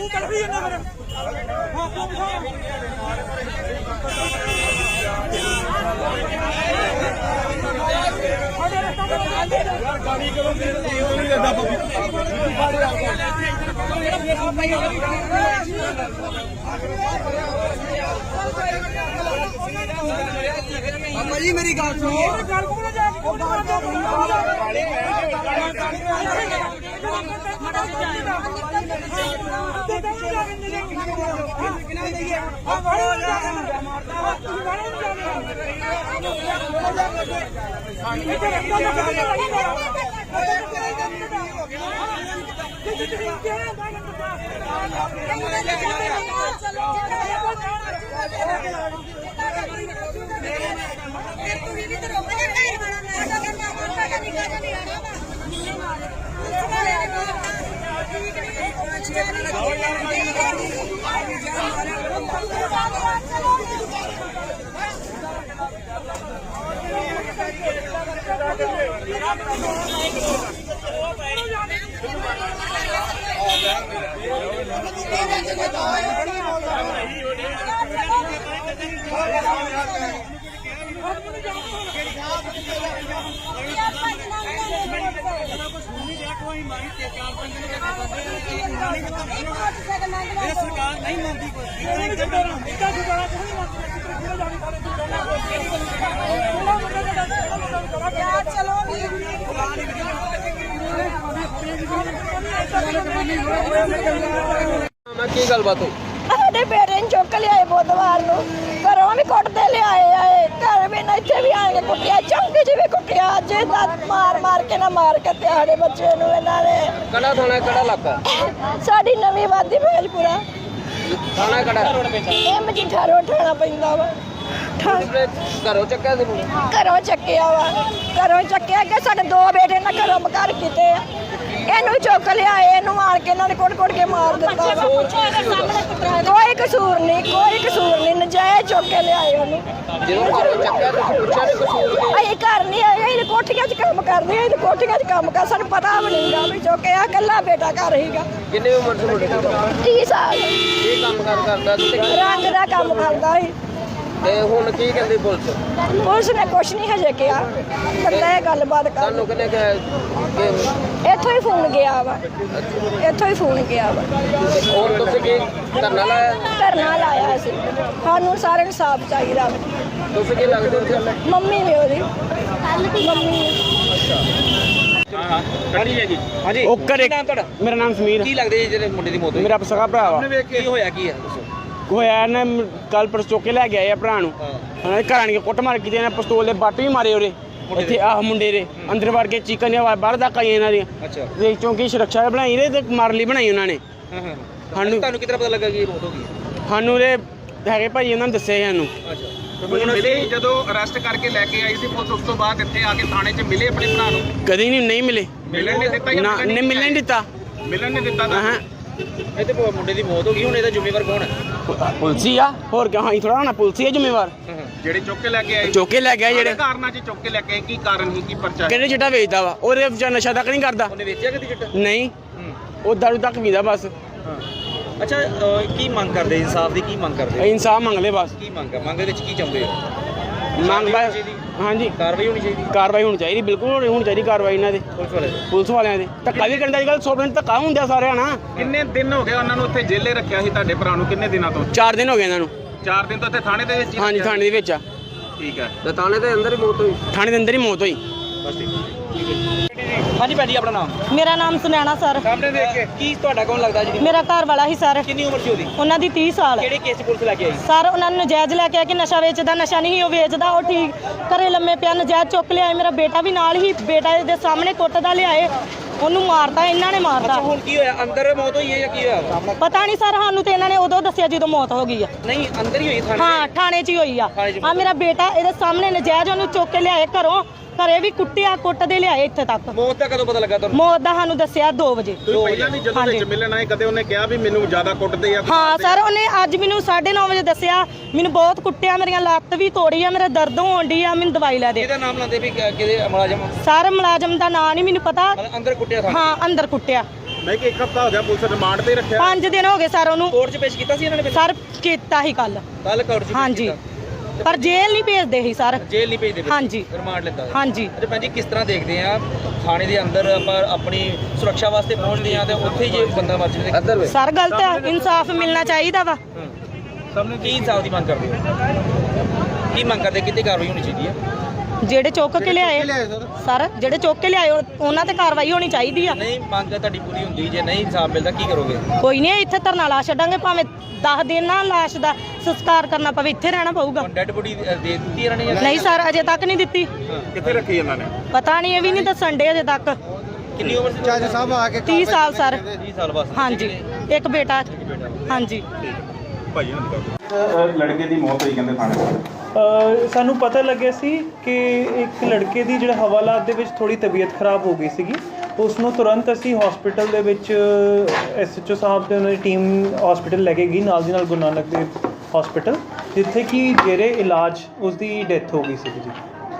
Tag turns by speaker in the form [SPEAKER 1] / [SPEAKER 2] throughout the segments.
[SPEAKER 1] जी मेरी गल सुनिए सरकार नहीं मानती
[SPEAKER 2] की गलबात हुई
[SPEAKER 3] ਸਾਡੇ ਬੇਟੇ ਨੂੰ ਚੁੱਕ ਲਿਆਏ ਬੁੱਧਵਾਰ ਨੂੰ ਘਰੋਂ ਵੀ ਕੁੱਟਦੇ ਲਿਆਏ ਘਰ ਵੀ ਨਾ ਇੱਥੇ ਵੀ ਆਏ ਕੁੱਟਿਆ ਚੌਂਕੇ 'ਚ ਵੀ ਕੁੱਟਿਆ ਅੱਜ ਮਾਰ ਕੇ ਨਾ ਮਾਰ ਕੇ ਤੇ ਸਾਡੇ ਬੱਚੇ ਨੂੰ ਇਹਨਾਂ ਨੇ
[SPEAKER 2] ਕਿਹੜਾ ਥਾਣਾ ਕਿਹੜਾ ਇਲਾਕਾ
[SPEAKER 3] ਸਾਡੀ ਨਵੀਂ ਵਾਦੀ ਭੇਜਪੁਰਾ
[SPEAKER 2] ਥਾਣਾ ਕਿਹੜਾ
[SPEAKER 3] ਇਹ ਮਜੀਠਾ ਰੋਡ ਠਾਣਾ ਪੈਂਦਾ ਵਾ
[SPEAKER 2] ਘਰੋਂ ਚੱਕਿਆ ਸੀ ਮੁੰਡੇ
[SPEAKER 3] ਘਰੋਂ ਚੱਕਿਆ ਕਿ ਸਾਡੇ ਦੋ ਬੇਟੇ ਨਾ ਘਰੋਂ ਮਕਾਰ ਕੀਤੇ ਆ ਇਹਨੂੰ ਚੁੱਕ ਲਿਆਏ ਇਹਨੂੰ ਮਾਰ ਕੇ ਇਹਨਾਂ ਨੇ ਕੁੱਟ ਕੇ ਮਾਰ ਦਿੱਤਾ ਕੋਈ ਕਸੂਰ ਨਹੀਂ ਨਜਾਇਜ਼ ਚੁੱਕ ਕੇ ਲਿਆਏ ਉਹਨੂੰ
[SPEAKER 2] ਜਦੋਂ ਘਰੋਂ ਚੱਕਿਆ ਤੁਸੀਂ ਪੁੱਛਿਆ ਨਹੀਂ ਕਸੂਰ ਕੀ
[SPEAKER 3] ਅਸੀਂ ਘਰ ਨਹੀਂ ਆਏ ਇਹ ਕੋਠੀਆਂ 'ਚ ਕੰਮ ਕਰਦੇ ਇਹ ਕੋਠੀਆਂ 'ਚ ਕੰਮ ਕਰ ਸਾਨੂੰ ਪਤਾ ਵੀ ਨਹੀਂਗਾ ਵੀ ਚੁੱਕਿਆ ਇਕੱਲਾ ਬੇਟਾ ਘਰ ਹੀਗਾ
[SPEAKER 2] ਕਿੰਨੀ ਉਮਰ ਸੀ ਮੁੰਡੇ ਦੀ
[SPEAKER 3] 30 ਸਾਲ
[SPEAKER 2] ਕੀ ਕੰਮ ਕਰਦਾ ਸੀ
[SPEAKER 3] ਰੰਗ ਦਾ ਕੰਮ ਕਰਦਾ ਸੀ
[SPEAKER 2] ਤੇ ਹੁਣ ਕੀ ਕਹਿੰਦੀ ਪੁਲਿਸ
[SPEAKER 3] ਨੇ ਕੁਛ ਨਹੀਂ ਹਜੇ ਕਿਹਾ ਬੰਦਾ ਇਹ ਗੱਲਬਾਤ ਕਰ
[SPEAKER 2] ਤੁਹਾਨੂੰ ਕਿਹਨੇ ਕਿਹਾ ਕਿ
[SPEAKER 3] ਇੱਥੋਂ ਹੀ ਫੋਨ ਗਿਆ ਵਾ
[SPEAKER 2] ਹੋਰ ਤੁਸੀਂ ਕੀ ਧਰਨਾ
[SPEAKER 3] ਲਾਇਆ ਸੀ ਸਾਨੂੰ ਸਾਰਿਆਂ ਨੂੰ ਸਾਫ ਚਾਹੀਦਾ ਵਾ।
[SPEAKER 2] ਤੁਸੀਂ ਕੀ ਲੱਗਦੇ ਹੋ
[SPEAKER 3] ਮੰਮੀ ਵੀ ਉਹਦੀ
[SPEAKER 4] ਹਾਂਜੀ ਓਕੇ ਨਾਮ ਤੁਹਾਡਾ ਮੇਰਾ ਨਾਮ ਸਮੀਰ
[SPEAKER 2] ਕੀ ਲੱਗਦੇ ਜੀ ਜਿਹੜੇ ਮੁੰਡੇ ਦੀ ਮੌਤ ਹੋਈ
[SPEAKER 4] ਮੇਰਾ ਸਗਾ ਭਰਾ ਵਾ
[SPEAKER 2] ਕੀ ਹੋਇਆ ਕੀ ਹੈ ਦੱਸੋ
[SPEAKER 4] ਹੋਇਆ ਨਾ ਕੱਲ ਪਰਸੋਂ ਚੁੱਕ ਕੇ ਲੈ ਕੇ ਆਏ ਆ ਭਰਾ ਨੂੰ ਉਹਨਾਂ ਦੇ ਘਰ ਆਣ ਕੇ ਕੁੱਟ ਮਾਰ ਕੀਤੀ ਇਹਨਾਂ ਪਿਸਤੌਲ ਦੇ ਬੱਟ ਵੀ ਮਾਰੇ ਉਹਦੇ ਇੱਥੇ ਆਹ ਮੁੰਡੇ ਦੇ ਅੰਦਰ ਵੜ ਕੇ ਚੀਕਾਂ ਦੀਆਂ ਬਾਹਰ ਤੱਕ ਆਈਆਂ ਇਹਨਾਂ ਦੀਆਂ
[SPEAKER 2] ਅੱਛਾ
[SPEAKER 4] ਤੇ ਚੌਂਕੀ ਸੁਰੱਖਿਆ ਬਣਾਈ ਰਹੇ ਤੇ ਮਾਰਨ ਲਈ ਬਣਾਈ ਉਹਨਾਂ ਨੇ
[SPEAKER 2] ਸਾਨੂੰ ਤੁਹਾਨੂੰ ਕਿਤਨਾ ਪਤਾ ਲੱਗਾ ਕਿ ਇਹ ਮੌਤ ਹੋ ਗਈ
[SPEAKER 4] ਸਾਨੂੰ ਦੇ ਹੈਗੇ ਭਾਈ ਉਹਨਾਂ ਨੇ ਦੱਸਿਆ ਸਾਨੂੰ
[SPEAKER 2] ਅੱਛਾ
[SPEAKER 5] ਮਿਲੇ ਜਦੋਂ ਅਰੈਸਟ ਕਰਕੇ ਲੈ ਕੇ ਆਈ ਸੀ ਪੁਲਿਸ ਉਸ ਤੋਂ ਬਾਅਦ ਇੱਥੇ ਆ ਕੇ ਥਾਣੇ 'ਚ ਮਿਲੇ ਆਪਣੇ ਭਰਾ ਨੂੰ
[SPEAKER 4] ਕਦੀ ਨਹੀਂ ਮਿਲੇ
[SPEAKER 5] ਮਿਲਣ ਨਹੀਂ ਦਿੱਤਾ
[SPEAKER 4] ਨਾ ਨਹੀਂ ਮਿਲਣ ਨਹੀਂ ਦਿੱਤਾ
[SPEAKER 5] ਮਿਲਣ ਨਹੀਂ ਦਿੱਤਾ
[SPEAKER 4] ਹਾਂ
[SPEAKER 2] ਇਹ ਤੇ ਮੁੰਡੇ ਦੀ ਮੌਤ ਹੋ ਗਈ ਹੁਣ ਇਹਦਾ ਜ਼ਿੰਮੇਵਾਰ ਕੌਣ ਹੈ
[SPEAKER 4] ਪੁਲਿਸ ਆ ਹੋਰ ਕਿਉਂ ਹਾਂ ਥੋੜਾ ਹੋਣਾ ਪੁਲਿਸ ਹੀ ਜ਼ਿੰਮੇਵਾਰ
[SPEAKER 5] ਜਿਹੜੇ ਚੁੱਕ ਕੇ ਲੈ ਕੇ ਆਏ
[SPEAKER 4] ਚੁੱਕ ਕੇ ਲੈ ਗਿਆ ਜਿਹੜੇ
[SPEAKER 5] ਕਾਰਨਾਂ 'ਚ ਚੁੱਕ ਕੇ ਲੈ ਕੇ ਆਏ ਕੀ ਕਾਰਨ ਸੀ ਕੀ ਪਰਚਾ
[SPEAKER 4] ਕਿਹੜੇ ਚਿੱਟਾ ਵੇਚਦਾ ਵਾ ਉਹਦੇ ਵਿਚਾਰ ਨਸ਼ਾ ਤੱਕ ਨਹੀਂ ਕਰਦਾ
[SPEAKER 2] ਉਹਨੇ ਵੇਚਿਆ ਕਦੀ ਚਿੱਟਾ
[SPEAKER 4] ਨਹੀਂ ਉਹ ਦਾਰੂ ਤੱਕ ਪੀਂਦਾ ਬਸ
[SPEAKER 2] ਅੱਛਾ ਕੀ ਮੰਗ ਕਰਦੇ ਇਨਸਾਫ ਦੀ ਕੀ ਮੰਗ ਕਰਦੇ
[SPEAKER 4] ਇਨਸਾਫ ਮੰਗ ਲੈ ਬਸ
[SPEAKER 2] ਕੀ ਮੰਗ ਹੈ ਮੰਗ ਦੇ ਵਿੱਚ ਕੀ ਚਾਹੁੰਦੇ ਹੋ
[SPEAKER 4] ਮੰਗ ਬਸ ਹਾਂਜੀ
[SPEAKER 2] ਕਾਰਵਾਈ ਹੋਣੀ ਚਾਹੀਦੀ
[SPEAKER 4] ਕਾਰਵਾਈ ਹੋਣੀ ਚਾਹੀਦੀ ਬਿਲਕੁਲ ਹੋਣੀ ਚਾਹੀਦੀ ਕਾਰਵਾਈ ਇਹਨਾਂ ਦੇ ਪੁਲਿਸ ਵਾਲਿਆਂ ਦੇ ਧੱਕਾ ਵੀ ਕਰਨ ਦਾ ਅੱਜ ਕੱਲ੍ਹ 100 ਮਿੰਟ ਧੱਕਾ ਹੁੰਦਾ ਸਾਰਿਆਂ ਨਾਲ
[SPEAKER 5] ਕਿੰਨੇ ਦਿਨ ਹੋ ਗਏ ਉਹਨਾਂ ਨੂੰ ਉੱਥੇ ਜੇਲੇ ਰੱਖਿਆ ਸੀ ਤੁਹਾਡੇ ਭਰਾ ਨੂੰ ਕਿੰਨੇ ਦਿਨਾਂ ਤੋਂ
[SPEAKER 4] 4 ਦਿਨ ਹੋ ਗਏ ਇਹਨਾਂ ਨੂੰ
[SPEAKER 5] 4 ਦਿਨ ਤੋਂ ਇੱਥੇ ਥਾਣੇ ਦੇ ਵਿੱਚ ਹੀ
[SPEAKER 4] ਹਾਂਜੀ ਥਾਣੇ ਦੇ ਵਿੱਚ ਆ
[SPEAKER 5] ਠੀਕ ਹੈ
[SPEAKER 2] ਤੇ ਥਾਣੇ ਦੇ ਅੰਦਰ ਹੀ ਮੌਤ ਹੋਈ
[SPEAKER 4] ਥਾਣੇ ਦੇ ਅੰਦਰ ਹੀ ਮੌਤ ਹੋਈ
[SPEAKER 2] ਬਸ ਠੀਕ ਹਾਂਜੀ ਭੈਣ ਜੀ ਆਪਣਾ ਨਾਮ
[SPEAKER 3] ਮੇਰਾ ਨਾਮ ਸੁਨੈਣਾ ਸਰ
[SPEAKER 2] ਸਾਹਮਣੇ ਦੇਖ ਕੇ ਕੀ ਤੁਹਾਡਾ ਕੌਣ ਲੱਗਦਾ ਜੀ
[SPEAKER 3] ਮੇਰਾ ਘਰ ਵਾਲਾ ਹੀ ਸਰ
[SPEAKER 2] ਕਿੰਨੀ ਉਮਰ ਸੀ ਉਹਦੀ
[SPEAKER 3] ਉਹਨਾਂ ਦੀ 30 ਸਾਲ
[SPEAKER 2] ਕਿਹੜੇ ਕੇਸ 'ਚ ਪੁਲਿਸ ਲੈ ਕੇ ਆਈ
[SPEAKER 3] ਸਰ ਉਹਨਾਂ ਨੂੰ ਨਜਾਇਜ਼ ਲੈ ਕੇ ਆ ਕਿ ਨਸ਼ਾ ਵੇਚਦਾ ਨਸ਼ਾ ਨਹੀਂ ਉਹ ਵੇਚਦਾ ਉਹ ਠੀਕ ਘਰੇ ਲੰਮੇ ਪਿਆ ਨਜਾਇਜ਼ ਚੁੱਕ ਲਿਆਏ ਮੇਰਾ ਬੇਟਾ ਵੀ ਨਾਲ ਹੀ ਬੇਟਾ ਦੇ ਸਾਹਮਣੇ ਕੁੱਟਦਾ ਲਿਆਏ ਉਹਨੂੰ ਮਾਰਦਾ ਇਹਨਾਂ ਨੇ ਮਾਰਦਾ
[SPEAKER 2] ਹੁਣ ਕੀ ਹੋਇਆ ਅੰਦਰ ਮੌਤ ਹੋਈ ਹੈ ਜਾਂ ਕੀ ਹੋਇਆ
[SPEAKER 3] ਪਤਾ ਨਹੀਂ ਸਰ ਸਾਨੂੰ ਤੇ ਇਹਨਾਂ ਨੇ ਉਦੋਂ ਦੱਸਿਆ ਜਦੋਂ ਮੌਤ ਹੋ ਗਈ ਆ
[SPEAKER 2] ਨਹੀਂ ਅੰਦਰ ਹੀ ਹੋਈ ਥਾਣੇ
[SPEAKER 3] ਹਾਂ ਥਾਣੇ 'ਚ ਹੀ ਹੋਈ ਆ ਆ ਮੇਰਾ ਬੇਟਾ ਇਹਦੇ ਸਾਹਮਣੇ ਨਜਾਇਜ਼ ਉਹਨੂੰ ਚੁੱਕ ਕੇ ਲਿਆਏ ਘਰੋਂ ਘਰੇ ਵੀ ਕੁੱਟਿਆ ਕੁੱਟਦੇ ਲਿਆਏ ਇੱਥੇ ਤੱਕ
[SPEAKER 2] ਮੌਤ ਦਾ ਕਦੋਂ ਪਤਾ ਲੱਗਾ ਤੁਹਾਨੂੰ
[SPEAKER 3] ਮੌਤ ਦਾ ਸਾਨੂੰ ਦੱਸਿਆ 2 ਵਜੇ
[SPEAKER 5] ਤੁਸੀਂ ਪਹਿਲਾਂ ਵੀ ਜਦੋਂ ਵਿੱਚ ਮਿਲਣ ਆਏ ਕਦੇ ਉਹਨੇ ਕਿਹਾ ਵੀ ਮੈਨੂੰ ਜ਼ਿਆਦਾ ਕੁੱਟਦੇ ਆ
[SPEAKER 3] ਹਾਂ ਸਰ ਉਹਨੇ ਅੱਜ ਮੈਨੂੰ 9:30 ਵਜੇ ਦੱਸਿਆ ਮੈਨੂੰ ਬਹੁਤ ਕੁੱਟਿਆ ਮੇਰੀਆਂ ਲੱਤ ਵੀ ਤੋੜੀ ਆ ਮੇਰਾ ਦਰਦ ਹੋਣ ਡਈ ਆ ਮੈਨੂੰ ਦਵਾਈ ਲੈ ਦੇ
[SPEAKER 2] ਇਹਦਾ ਨਾਮ ਲਾਉਂਦੇ ਵੀ ਕਿਹਦੇ ਮੁਲਾਜ਼ਮ
[SPEAKER 3] ਸਰ ਮੁਲਾਜ਼ਮ ਦਾ ਨਾਂ ਨਹੀਂ ਮੈਨੂੰ ਪਤਾ
[SPEAKER 2] ਅੰਦਰ ਕੁੱਟਿਆ ਥਾਣੇ
[SPEAKER 3] ਹਾਂ ਅੰਦਰ ਕੁੱਟਿਆ
[SPEAKER 5] ਮੈਂ ਕਿ 1 ਹਫ਼ਤਾ ਹੋ ਗਿਆ ਪੁਲਿਸ ਰਿਮਾਂਡ ਤੇ ਰੱਖਿਆ
[SPEAKER 6] 5 ਦਿਨ ਹੋ ਗਏ ਸਰ ਉਹਨੂੰ
[SPEAKER 2] ਕੋਰਟ 'ਚ ਪੇਸ਼ ਕੀਤਾ ਸੀ ਇਹਨਾਂ ਨੇ
[SPEAKER 6] ਸਰ ਕੀਤਾ ਹੀ ਕੱਲ
[SPEAKER 2] ਕੱਲ ਕੋਰਟ 'ਚ ਪੇਸ਼
[SPEAKER 6] ਹਾਂਜੀ
[SPEAKER 2] ਕੀਤਾ।
[SPEAKER 6] ਪਰ ਜੇਲ੍ਹ ਨਹੀਂ ਭੇਜਦੇ ਸੀ ਸਰ
[SPEAKER 2] ਜੇਲ੍ਹ ਨਹੀਂ ਭੇਜਦੇ ਪਏ?
[SPEAKER 6] ਹਾਂਜੀ।
[SPEAKER 2] ਰਿਮਾਂਡ ਲੈਂਦਾ
[SPEAKER 6] ਹਾਂਜੀ
[SPEAKER 2] ਅੱਛਾ ਭੈਣ ਜੀ, ਕਿਸ ਤਰ੍ਹਾਂ ਦੇਖਦੇ ਆ ਥਾਣੇ ਦੇ ਅੰਦਰ ਆਪਾਂ ਆਪਣੀ ਸੁਰੱਖਿਆ ਵਾਸਤੇ ਪਹੁੰਚਦੇ ਆ ਤੇ ਉੱਥੇ ਹੀ ਜੇ ਬੰਦਾ ਮਰ ਜਾਵੇ?
[SPEAKER 6] ਸਰ ਗਲਤ ਹੈ, ਇਨਸਾਫ ਮਿਲਣਾ ਚਾਹੀਦਾ ਵਾ।
[SPEAKER 2] ਕੀ ਇਨਸਾਫ ਦੀ ਮੰਗ ਕਰਦੇ ਹੋ? ਕੀ ਮੰਗ ਕਰਦੇ, ਕਿਤੇ ਕਾਰਵਾਈ ਹੋਣੀ ਚਾਹੀਦੀ ਹੈ?
[SPEAKER 6] ਜਿਹੜੇ ਚੁੱਕ ਕੇ ਲਿਆਏ ਸਰ, ਜਿਹੜੇ ਚੁੱਕ ਕੇ ਲਿਆਏ ਉਹਨਾਂ ਤੇ ਕਾਰਵਾਈ ਹੋਣੀ ਚਾਹੀਦੀ ਆ।
[SPEAKER 2] ਨਹੀਂ ਮੰਗ ਤੁਹਾਡੀ ਪੂਰੀ ਹੁੰਦੀ, ਜੇ ਨਹੀਂ ਇਨਸਾਫ ਮਿਲਦਾ ਕੀ ਕਰੋਗੇ?
[SPEAKER 6] ਕੋਈ ਨਹੀਂ, ਇੱਥੇ ਧਰਨਾ ਲਾ ਛੱਡਾਂਗੇ, ਭਾਵੇਂ 10 ਦਿਨ ਨਾ ਲਾਸ਼ ਦਾ ਸੰਸਕਾਰ ਕਰਨਾ ਪਵੇ, ਇੱਥੇ ਰਹਿਣਾ ਪਊਗਾ।
[SPEAKER 2] ਡੈਡ ਬੋਡੀ ਦੇ ਦਿੱਤੀ ਇਹਨਾਂ ਨੇ ਜਾਂ
[SPEAKER 6] ਨਹੀਂ ਸਰ, ਅਜੇ ਤੱਕ ਨਹੀਂ ਦਿੱਤੀ।
[SPEAKER 5] ਕਿੱਥੇ ਰੱਖੀ ਇਹਨਾਂ ਨੇ?
[SPEAKER 6] ਪਤਾ ਨਹੀਂ, ਇਹ ਵੀ ਨਹੀਂ ਦੱਸਣ ਡੇ ਅਜੇ ਤੱਕ।
[SPEAKER 2] ਕਿੰਨੀ ਉਮਰ ਸੀ?
[SPEAKER 1] ਜੱਜ ਸਾਹਿਬ ਆ ਕੇ
[SPEAKER 6] 30 ਸਾਲ ਸਰ।
[SPEAKER 2] 30 ਸਾਲ ਬਸ।
[SPEAKER 6] ਹਾਂਜੀ, ਇੱਕ ਬੇਟਾ। ਹਾਂਜੀ
[SPEAKER 5] ਭਾਈ ਲੜਕੇ ਦੀ ਮੌਤ ਹੋਈ ਕਹਿੰਦੇ ਥਾਣੇ ਤੋਂ।
[SPEAKER 7] ਸਾਨੂੰ ਪਤਾ ਲੱਗਿਆ ਸੀ ਕਿ ਇੱਕ ਲੜਕੇ ਦੀ ਜਿਹੜਾ ਹਵਾਲਾਤ ਦੇ ਵਿੱਚ ਥੋੜੀ ਤਬੀਅਤ ਖਰਾਬ ਹੋ ਗਈ ਸੀਗੀ। ਉਸ ਨੂੰ ਤੁਰੰਤ ਅਸੀਂ ਹਸਪੀਟਲ ਦੇ ਵਿੱਚ SHO ਸਾਹਿਬ ਤੇ ਉਹਨਾਂ ਦੀ ਟੀਮ ਹਸਪੀਟਲ ਲੈ ਕੇ ਗਈ, ਨਾਲ ਦੀ ਨਾਲ ਗੁਰੂ ਨਾਨਕ ਦੇਵ ਹਸਪੀਟਲ, ਜਿੱਥੇ ਕਿ ਜੇਰੇ ਇਲਾਜ ਉਸ ਦੀ ਡੈਥ ਹੋ ਗਈ ਸੀ ਜੀ।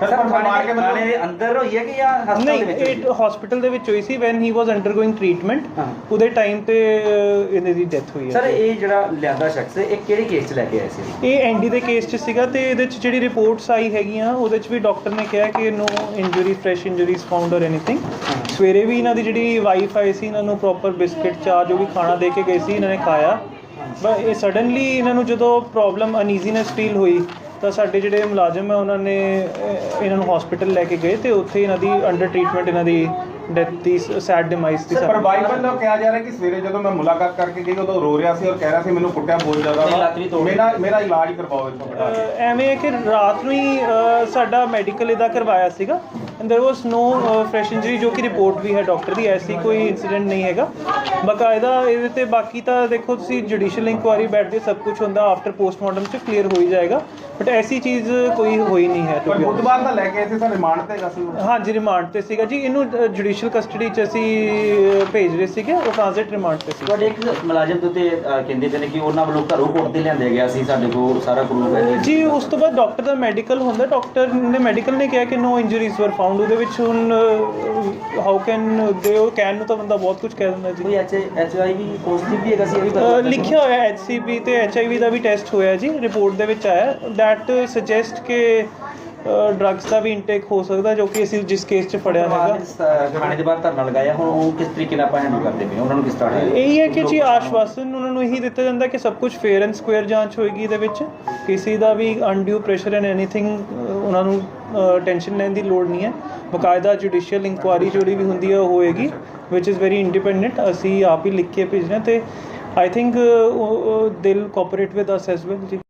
[SPEAKER 2] ਥਾਣੇ ਦੇ ਅੰਦਰ ਹੋਈ ਹੈ ਕਿ ਜਾਂ ਹਸਪਤਾਲ
[SPEAKER 7] ਨਹੀਂ,
[SPEAKER 2] ਦੇ ਵਿੱਚ ਹੋਈ
[SPEAKER 7] ਇਹ ਹਸਪੀਟਲ ਦੇ ਵਿੱਚ ਹੋਈ ਸੀ when he was undergoing treatment. ਉਹਦੇ ਟਾਈਮ ਤੇ ਇਹਨਾਂ ਦੀ ਡੈਥ ਹੋਈ ਹੈ।
[SPEAKER 2] ਸਰ ਇਹ ਜਿਹੜਾ ਲਿਆਂਦਾ ਸ਼ਖਸ ਇਹ ਕਿਹੜੇ ਕੇਸ 'ਚ ਲੈ ਕੇ ਆਏ ਸੀ?
[SPEAKER 7] ਇਹ ਐਨਡੀ ਦੇ ਕੇਸ 'ਚ ਸੀਗਾ ਤੇ ਇਹਦੇ 'ਚ ਜਿਹੜੀ ਰਿਪੋਰਟਸ ਆਈ ਹੈਗੀਆਂ ਉਹਦੇ 'ਚ ਵੀ ਡਾਕਟਰ ਨੇ ਕਿਹਾ ਕਿ no injury, fresh injuries found or anything. ਸਵੇਰੇ ਵੀ ਇਹਨਾਂ ਦੀ ਜਿਹੜੀ ਵਾਈਫ ਆਈ ਸੀ, ਇਹਨਾਂ ਨੂੰ ਪ੍ਰੋਪਰ ਬਿਸਕਿਟ, ਚਾਹ ਜੋ ਵੀ ਖਾਣਾ ਦੇ ਕੇ ਗਏ ਸੀ, ਇਹਨਾਂ ਨੇ ਖਾਇਆ। ਬਟ ਇਹ ਸਡਨਲੀ ਇਹਨਾਂ ਨੂੰ ਜਦੋਂ ਪ੍ਰੋਬਲਮ ਅਨਈਜ਼ੀਨੈਸ ਫੀਲ ਹੋਈ ਤਾਂ ਸਾਡੇ ਜਿਹੜੇ ਮੁਲਾਜ਼ਮ ਹੈ ਉਹਨਾਂ ਨੇ ਇਹਨਾਂ ਨੂੰ ਹਸਪੀਟਲ ਲੈ ਕੇ ਗਏ ਤੇ ਉੱਥੇ ਇਹਨਾਂ ਦੀ ਅੰਡਰ ਟ੍ਰੀਟਮੈਂਟ ਇਹਨਾਂ ਦੀ ਡੈਥ ਦੀ ਸੈਡ ਡਿਮਾਈਸ ਦੀ।
[SPEAKER 5] ਪਰ ਵਾਈਫ ਵੱਲੋਂ ਕਿਹਾ ਜਾ ਰਿਹਾ ਕਿ ਸਵੇਰੇ ਜਦੋਂ ਮੈਂ ਮੁਲਾਕਾਤ ਕਰਕੇ ਗਈ ਉਦੋਂ ਰੋ ਰਿਹਾ ਸੀ ਔਰ ਕਹਿ ਰਿਹਾ ਸੀ ਮੈਨੂੰ ਕੁੱਟਿਆ ਬਹੁਤ ਜ਼ਿਆਦਾ ਵਾ, ਮੇਰਾ ਇਲਾਜ ਕਰਵਾਓ ਇੱਥੋਂ ਬਿਠਾ ਕੇ।
[SPEAKER 7] ਐਵੇਂ ਹੈ ਕਿ ਰਾਤ ਨੂੰ ਹੀ ਸਾਡਾ ਮੈਡੀਕਲ ਇਹਦਾ ਕਰਵਾਇਆ ਸੀਗਾ and there was no fresh injury, ਜੋ ਕਿ ਰਿਪੋਰਟ ਵੀ ਹੈ ਡਾਕਟਰ ਦੀ, ਐਸੀ ਕੋਈ ਇਨਸੀਡੈਂਟ ਨਹੀਂ ਹੈਗਾ ਬਕਾਇਦਾ ਇਹਦੇ ਤੇ। ਬਾਕੀ ਤਾਂ ਦੇਖੋ ਤੁਸੀਂ ਜੁਡੀਸ਼ੀਅਲ ਇਨਕੁਆਇਰੀ ਬੈਠਦੇ ਸਭ ਕੁਝ ਹੁੰਦਾ, ਆਫਟਰ ਪੋਸਟਮਾਰਟਮ 'ਚ ਕਲੀਅਰ ਹੋ ਹੀ ਜਾਏਗਾ, ਬਟ ਐਸੀ ਚੀਜ਼ ਕੋਈ ਹੋਈ ਨਹੀਂ ਹੈ।
[SPEAKER 5] ਪਰ ਬੁੱਧਵਾਰ ਦਾ ਲੈ ਕੇ ਇੱਥੇ ਸਰ ਰਿਮਾਂਡ ਤੇ ਹੈਗਾ ਸੀ।
[SPEAKER 7] ਹਾਂਜੀ, ਰਿਮਾਂਡ ਤੇ ਸੀਗਾ ਜੀ। ਇਹਨੂੰ ਜੁਡੀਸ਼ੀਅਲ ਕਸਟਡੀ 'ਚ ਅਸੀਂ ਭੇਜ ਰਹੇ ਸੀਗੇ, ਉਹ ਟ੍ਰਾਂਜ਼ਿਟ ਰਿਮਾਂਡ ਤੇ ਸੀ।
[SPEAKER 2] ਤੁਹਾਡੇ ਇੱਕ ਮੁਲਾਜ਼ਮ ਦੇ ਉੱਤੇ ਕਹਿੰਦੇ ਪਏ ਨੇ ਕਿ ਉਹਨਾਂ ਵੱਲੋਂ ਘਰੋਂ ਕੋਰਟ ਤੇ ਲਿਆਂਦੇ ਗਿਆ ਸੀ, ਸਾਡੇ ਕੋਲ ਸਾਰਾ ਪ੍ਰੂਫ ਹੈ
[SPEAKER 7] ਜੀ। ਉਸ ਤੋਂ ਬਾਅਦ ਡਾਕਟਰ ਦਾ ਮੈਡੀਕਲ ਹੁੰਦਾ, ਡਾਕਟਰ ਨੇ ਮੈਡੀਕਲ ਨੇ ਕਿਹਾ ਕਿ ਨੋ ਇੰਜਰੀਜ਼ ਵਰ ਫਾਊਂਡ। ਉਹਦੇ ਵਿੱਚ ਹੁਣ ਹਾਊ ਕੈਨ ਦੇ, ਉਹ ਕੈਨ ਨੂੰ ਤਾਂ ਬੰਦਾ ਬਹੁਤ ਕੁਝ ਕਹਿ ਦਿੰਦਾ ਜੀ।
[SPEAKER 2] ਕੋਈ HIV ਪੋਜ਼ਿਟਿਵ ਵੀ ਹੈਗਾ ਸੀ, ਇਹ ਵੀ ਪਤਾ
[SPEAKER 7] ਲਿਖਿਆ ਹੋਇਆ HCV ਤੇ HIV ਦਾ ਵੀ ਟੈਸਟ ਹੋਇਆ ਜੀ, ਰਿਪੋਰਟ ਦੇ ਵਿੱਚ ਆਇਆ। ਦੈਟ ਸੁਜੈਸਟ ਕਿ ਡਰੱਗਸ ਦਾ ਵੀ ਇਨਟੇਕ ਹੋ ਸਕਦਾ, ਜੋ ਕਿ ਅਸੀਂ ਜਿਸ ਕੇਸ 'ਚ ਫੜਿਆ ਹੈਗਾ।
[SPEAKER 2] ਥਾਣੇ ਦੇ ਬਾਹਰ ਧਰਨਾ ਲਗਾਇਆ, ਹੁਣ ਉਹ ਕਿਸ ਤਰੀਕੇ ਨਾਲ ਆਪਾਂ ਹੈਂਡਲ ਕਰਦੇ ਪਏ ਉਹਨਾਂ ਨੂੰ, ਕਿਸ ਤਰ੍ਹਾਂ
[SPEAKER 7] ਇਹੀ ਹੈ ਕਿ ਜੀ ਆਸ਼ਵਾਸਨ ਉਹਨਾਂ ਨੂੰ ਇਹੀ ਦਿੱਤਾ ਜਾਂਦਾ ਕਿ ਸਭ ਕੁਝ ਫੇਅਰ ਐਂਡ ਸਕੁਅਰ ਜਾਂਚ ਹੋਏਗੀ ਇਹਦੇ ਵਿੱਚ, ਕਿਸੇ ਦਾ ਵੀ ਅਨਡਿਊ ਪ੍ਰੈਸ਼ਰ ਐਂਡ ਐਨੀਥਿੰਗ ਉਹਨਾਂ ਨੂੰ ਟੈਨਸ਼ਨ ਲੈਣ ਦੀ ਲੋੜ ਨਹੀਂ ਹੈ। ਬਕਾਇਦਾ ਜੁਡੀਸ਼ੀਅਲ ਇਨਕੁਆਇਰੀ ਜਿਹੜੀ ਵੀ ਹੁੰਦੀ ਹੈ ਉਹ ਹੋਏਗੀ, ਵਿਚ ਇਜ਼ ਵੈਰੀ ਇੰਡੀਪੈਂਡੈਂਟ। ਅਸੀਂ ਆਪ ਹੀ ਲਿਖ ਕੇ ਭੇਜਣਾ ਤੇ I think they'll cooperate with us as well ਜੀ।